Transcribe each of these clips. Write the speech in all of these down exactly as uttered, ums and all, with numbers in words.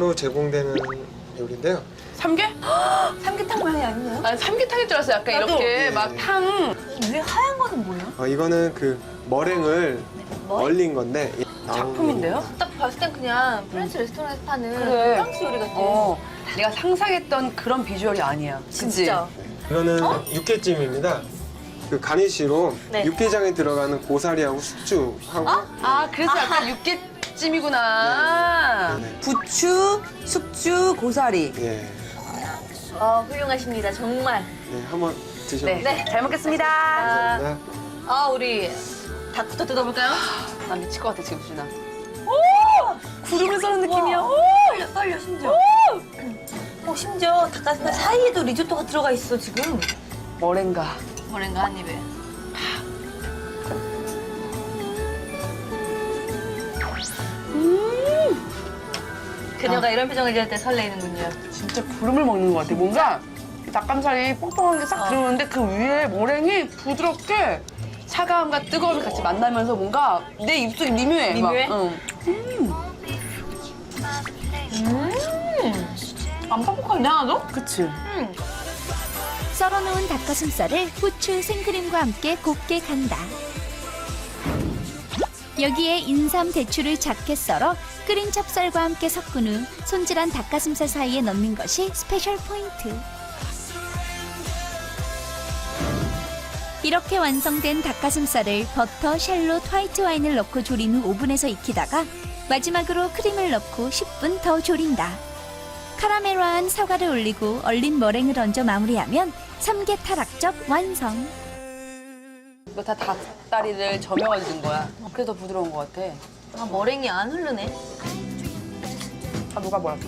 무상으로 제공되는 요리인데요. 삼계? 삼계탕 모양이 아니에요? 아, 삼계탕인 줄 알았어. 약간 나도. 이렇게 네. 막 탕. 위에 하얀 거는 뭐예요? 어, 이거는 그 머랭을 머랭? 얼린 건데 이- 작품인데요? 딱 봤을 땐 그냥 프렌치 레스토랑에서 파는 그래. 프랑스 요리 같아. 어. 내가 상상했던 그런 비주얼이 아니야. 그치? 진짜. 이거는 육개찜입니다. 그 가니쉬로 네. 육개장에 들어가는 고사리하고 숙주하고 아, 그래서 약간 육개찜이구나. 네, 네. 부추, 숙주, 고사리. 예, 어, 훌륭하십니다. 정말. 네, 한번 드셔보세요. 네, 잘 먹겠습니다. 감사합니다. 아, 우리 닭부터 뜯어볼까요? 나 미칠 것 같아, 지금 준아. 구름을 써는 느낌이야. 오! 떨려, 떨려, 심지어. 어, 심지어 닭가슴살 사이에도 리조또가 들어가 있어, 지금. 머랭가. 뭐랜가 한 입에. 그녀가 이런 표정을 지을 때 설레이는군요. 진짜 구름을 먹는 것 같아. 뭔가 닭가슴살이 뽕뽕한 게 싹 어. 들어오는데 그 위에 머랭이 부드럽게 차가움과 뜨거움이 같이 만나면서 뭔가 내 입속이 미묘해. 막. 미묘해? 응. 음! 안 뻑뻑한데, 하나도? 그치? 음. 썰어놓은 닭가슴살을 후추, 생크림과 함께 곱게 간다. 여기에 인삼, 대추를 작게 썰어 끓인 찹쌀과 함께 섞은 후 손질한 닭가슴살 사이에 넣는 것이 스페셜 포인트. 이렇게 완성된 닭가슴살을 버터, 샬롯, 화이트 와인을 넣고 조린 후 오븐에서 익히다가 마지막으로 크림을 넣고 십 분 더 조린다. 카라멜화한 사과를 올리고 얼린 머랭을 얹어 마무리하면 삼계타락젓 완성. 이거 다 닭다리를 저명하게 든 거야. 그래서 더 부드러운 것 같아. 아, 머랭이 안 흐르네. 아, 누가 뭐랄까?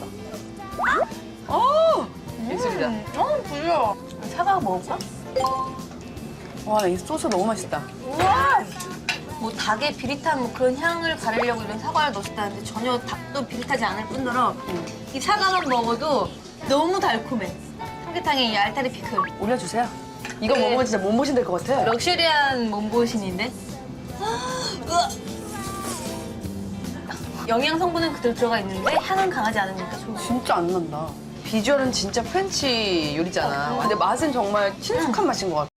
어! 예술이다. 어, 부드러워. 사과 먹을까? 와, 이 소스 너무 맛있다. 우와! 뭐 닭의 비릿한 뭐 그런 향을 가리려고 이런 사과를 넣었다는데 전혀 닭도 비릿하지 않을 뿐더러 이 사과만 먹어도 너무 달콤해. 삼계탕의 이 알타리 피클. 올려주세요. 이거 네. 먹으면 진짜 몸보신 될 것 같아. 럭셔리한 몸보신인데? 으아! 영양 성분은 그대로 들어가 있는데 향은 강하지 않으니까 좋은 거. 진짜 안 난다. 비주얼은 진짜 프렌치 요리잖아. 근데 맛은 정말 친숙한 맛인 것 같아.